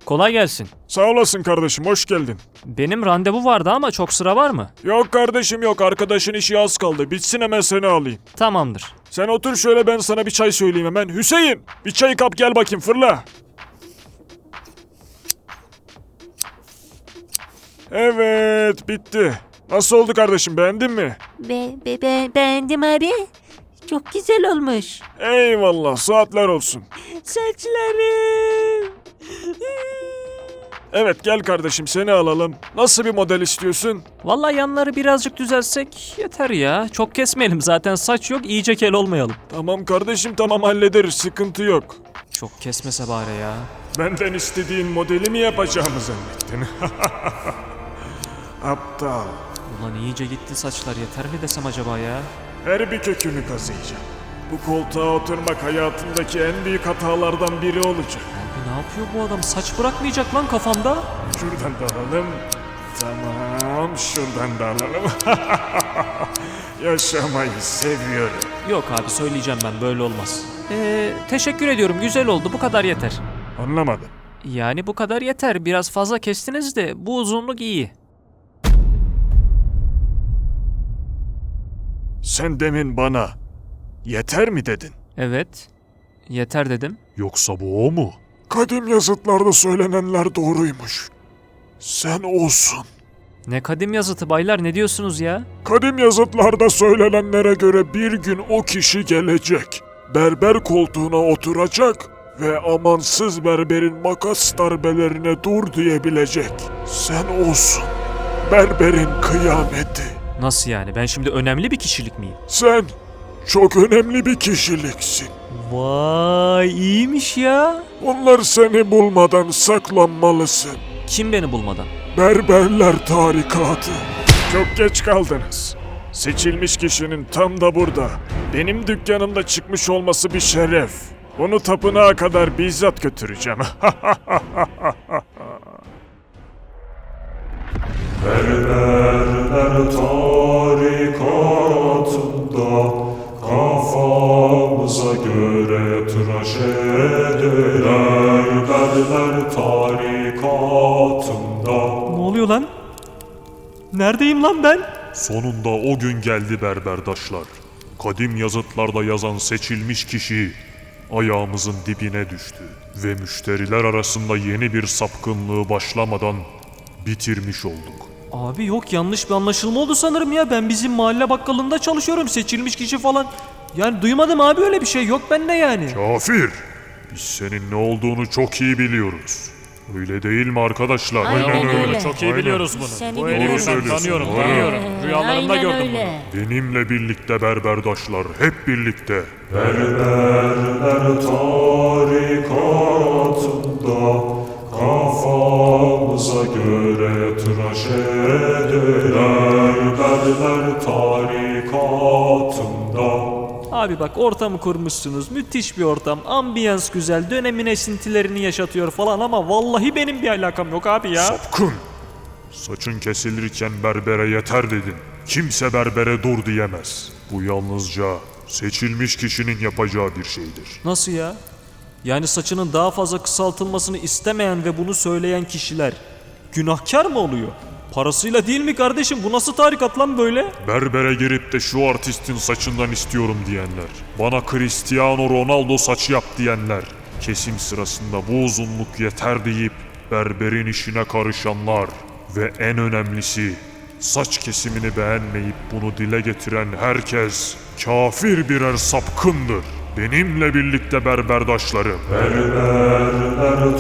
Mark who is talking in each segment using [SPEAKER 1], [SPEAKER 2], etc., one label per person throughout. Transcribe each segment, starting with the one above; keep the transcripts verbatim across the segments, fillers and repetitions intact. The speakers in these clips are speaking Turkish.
[SPEAKER 1] Kolay gelsin.
[SPEAKER 2] Sağ olasın kardeşim, hoş geldin.
[SPEAKER 1] Benim randevu vardı ama çok sıra var mı?
[SPEAKER 2] Yok kardeşim yok, arkadaşın işi az kaldı. Bitsin hemen seni alayım.
[SPEAKER 1] Tamamdır.
[SPEAKER 2] Sen otur şöyle, ben sana bir çay söyleyeyim hemen. Hüseyin, bir çay kap gel bakayım, fırla. Evet, bitti. Nasıl oldu kardeşim, beğendin mi?
[SPEAKER 3] Be, be, be, beğendim abi. Çok güzel olmuş.
[SPEAKER 2] Eyvallah, saatler olsun.
[SPEAKER 3] Saçlarım.
[SPEAKER 2] Evet gel kardeşim, seni alalım. Nasıl bir model istiyorsun?
[SPEAKER 1] Vallahi yanları birazcık düzelsek yeter ya. Çok kesmeyelim zaten, saç yok, iyice kel olmayalım.
[SPEAKER 2] Tamam kardeşim, tamam hallederiz, sıkıntı yok.
[SPEAKER 1] Çok kesmese bari ya.
[SPEAKER 2] Benden istediğin modeli mi yapacağımı zannettin? Aptal.
[SPEAKER 1] Ulan iyice gitti saçlar, yeter mi desem acaba ya?
[SPEAKER 2] Her bir kökünü kazıyacağım. Bu koltuğa oturmak hayatımdaki en büyük hatalardan biri olacak.
[SPEAKER 1] Abi ne yapıyor bu adam? Saç bırakmayacak lan kafamda.
[SPEAKER 2] Şuradan da alalım. Tamam, şuradan da alalım. Yaşamayı seviyorum.
[SPEAKER 1] Yok abi, söyleyeceğim ben, böyle olmaz. Ee, teşekkür ediyorum, güzel oldu, bu kadar yeter.
[SPEAKER 2] Anlamadım.
[SPEAKER 1] Yani bu kadar yeter, biraz fazla kestiniz de bu uzunluk iyi.
[SPEAKER 2] Sen demin bana yeter mi dedin?
[SPEAKER 1] Evet, yeter dedim.
[SPEAKER 2] Yoksa bu o mu? Kadim yazıtlarda söylenenler doğruymuş. Sen olsun.
[SPEAKER 1] Ne kadim yazıtı baylar, ne diyorsunuz ya?
[SPEAKER 2] Kadim yazıtlarda söylenenlere göre bir gün o kişi gelecek. Berber koltuğuna oturacak ve amansız berberin makas darbelerine dur diyebilecek. Sen olsun. Berberin kıyameti.
[SPEAKER 1] Nasıl yani, ben şimdi önemli bir kişilik miyim?
[SPEAKER 2] Sen çok önemli bir kişiliksin.
[SPEAKER 1] Vay, iyiymiş ya.
[SPEAKER 2] Onlar seni bulmadan saklanmalısın.
[SPEAKER 1] Kim beni bulmadan?
[SPEAKER 2] Berberler tarikatı. Çok geç kaldınız. Seçilmiş kişinin tam da burada. Benim dükkanımda çıkmış olması bir şeref. Onu tapınağa kadar bizzat götüreceğim.
[SPEAKER 4] Berberler tarikatında kafamıza göre tıraş ederler. Berberler tarikatında.
[SPEAKER 1] Ne oluyor lan? Neredeyim lan ben?
[SPEAKER 4] Sonunda o gün geldi berberdaşlar. Kadim yazıtlarda yazan seçilmiş kişi ayağımızın dibine düştü. Ve müşteriler arasında yeni bir sapkınlığı başlamadan bitirmiş olduk.
[SPEAKER 1] Abi yok, yanlış bir anlaşılma oldu sanırım ya. Ben bizim mahalle bakkalında çalışıyorum, seçilmiş kişi falan. Yani duymadım abi, öyle bir şey yok bende yani.
[SPEAKER 4] Kafir! Biz senin ne olduğunu çok iyi biliyoruz. Öyle değil mi arkadaşlar?
[SPEAKER 3] Aynen öyle.
[SPEAKER 1] Çok iyi
[SPEAKER 4] Aynen.
[SPEAKER 1] biliyoruz bunu.
[SPEAKER 3] Seni
[SPEAKER 1] Bu
[SPEAKER 3] biliyorum.
[SPEAKER 1] herifi ben
[SPEAKER 4] Söylüyorsun.
[SPEAKER 1] tanıyorum,
[SPEAKER 4] Aynen.
[SPEAKER 1] tanıyorum. Rüyalarımda
[SPEAKER 3] Aynen
[SPEAKER 1] gördüm
[SPEAKER 3] öyle.
[SPEAKER 4] Benimle birlikte berberdaşlar, hep birlikte. Berberler tarikatında kafamıza göre tıraş ederler. Berber tarikatında.
[SPEAKER 1] Abi bak, ortamı kurmuşsunuz, müthiş bir ortam, ambiyans güzel, dönemin esintilerini yaşatıyor falan ama vallahi benim bir alakam yok abi ya.
[SPEAKER 4] Sapkın! Saçın kesilirken berbere yeter dedin. Kimse berbere dur diyemez. Bu yalnızca seçilmiş kişinin yapacağı bir şeydir.
[SPEAKER 1] Nasıl ya? Yani saçının daha fazla kısaltılmasını istemeyen ve bunu söyleyen kişiler günahkar mı oluyor? Parasıyla değil mi kardeşim? Bu nasıl tarikat lan böyle?
[SPEAKER 4] Berbere girip de şu artistin saçından istiyorum diyenler, bana Cristiano Ronaldo saçı yap diyenler, kesim sırasında bu uzunluk yeter deyip berberin işine karışanlar ve en önemlisi saç kesimini beğenmeyip bunu dile getiren herkes kafir birer sapkındır. Benimle birlikte berberdaşlarım. Berberler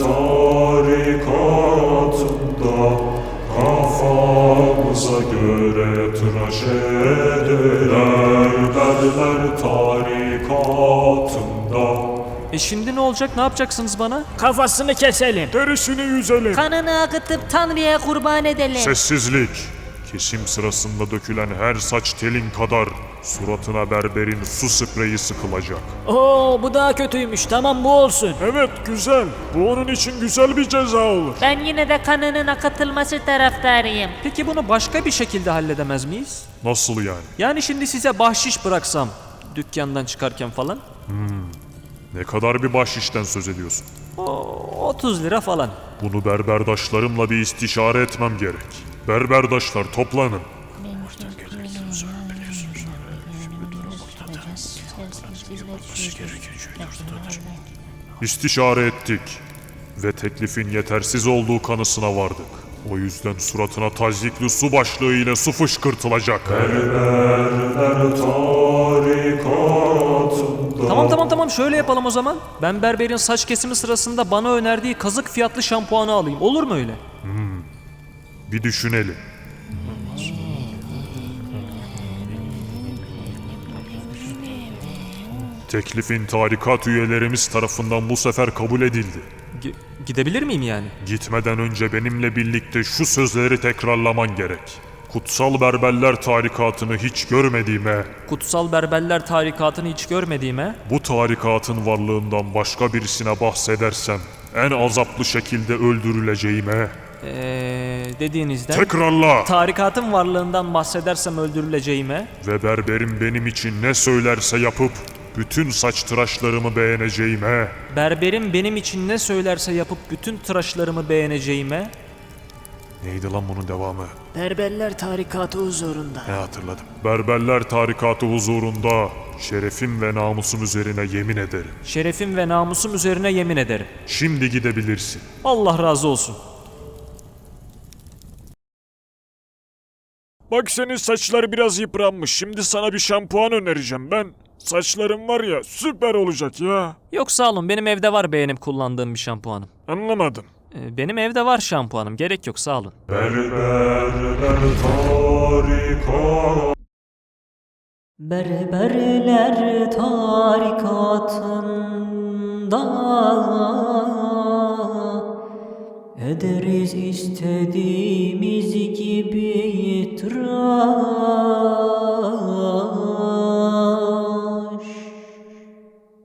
[SPEAKER 4] tarikatında kafamıza göre tıraş ederler. Berber tarikatında.
[SPEAKER 1] E şimdi ne olacak? Ne yapacaksınız bana?
[SPEAKER 3] Kafasını keselim.
[SPEAKER 2] Derisini yüzelim.
[SPEAKER 3] Kanını akıtıp Tanrı'ya kurban edelim.
[SPEAKER 4] Sessizlik. Kesim sırasında dökülen her saç telin kadar suratına berberin su spreyi sıkılacak.
[SPEAKER 3] Oo, bu daha kötüymüş. Tamam, bu olsun.
[SPEAKER 2] Evet güzel. Bu onun için güzel bir ceza olur.
[SPEAKER 3] Ben yine de kanının akıtılması taraftarıyım.
[SPEAKER 1] Peki bunu başka bir şekilde halledemez miyiz?
[SPEAKER 4] Nasıl yani?
[SPEAKER 1] Yani şimdi size bahşiş bıraksam dükkandan çıkarken falan.
[SPEAKER 4] Ne kadar bir bahşişten söz ediyorsun?
[SPEAKER 1] O otuz lira falan.
[SPEAKER 4] Bunu berberdaşlarımla bir istişare etmem gerek. Berberdaşlar toplanın. İstişare ettik ve teklifin yetersiz olduğu kanısına vardık. O yüzden suratına tazyikli su başlığı ile su fışkırtılacak.
[SPEAKER 1] Tamam tamam tamam şöyle yapalım o zaman. Ben berberin saç kesimi sırasında bana önerdiği kazık fiyatlı şampuanı alayım. Olur mu öyle?
[SPEAKER 4] Bir düşünelim. Teklifin tarikat üyelerimiz tarafından bu sefer kabul edildi.
[SPEAKER 1] Gi- gidebilir miyim yani?
[SPEAKER 4] Gitmeden önce benimle birlikte şu sözleri tekrarlaman gerek. Kutsal Berberler Tarikatı'nı hiç görmediğime,
[SPEAKER 1] Kutsal Berberler Tarikatı'nı hiç görmediğime,
[SPEAKER 4] bu tarikatın varlığından başka birisine bahsedersem en azaplı şekilde öldürüleceğime,
[SPEAKER 1] ee, dediğinizden
[SPEAKER 4] tekrarla
[SPEAKER 1] tarikatın varlığından bahsedersem öldürüleceğime,
[SPEAKER 4] ve berberim benim için ne söylerse yapıp bütün saç tıraşlarımı beğeneceğime,
[SPEAKER 1] berberim benim için ne söylerse yapıp bütün tıraşlarımı beğeneceğime,
[SPEAKER 4] neydi lan bunun devamı?
[SPEAKER 3] Berberler tarikatı huzurunda.
[SPEAKER 4] Ne hatırladım. Berberler Tarikatı huzurunda şerefim ve namusum üzerine yemin ederim.
[SPEAKER 1] şerefim ve namusum üzerine yemin ederim.
[SPEAKER 4] Şimdi gidebilirsin.
[SPEAKER 1] Allah razı olsun.
[SPEAKER 2] Bak senin saçlar biraz yıpranmış. Şimdi sana bir şampuan önereceğim ben. Saçların var ya süper olacak ya.
[SPEAKER 1] Yok sağ olun benim evde var beğenip kullandığım bir şampuanım.
[SPEAKER 2] Anlamadım.
[SPEAKER 1] Ee, benim evde var şampuanım gerek yok sağ olun.
[SPEAKER 5] Berberler tarikatında ederiz istediğimiz gibi itiraz.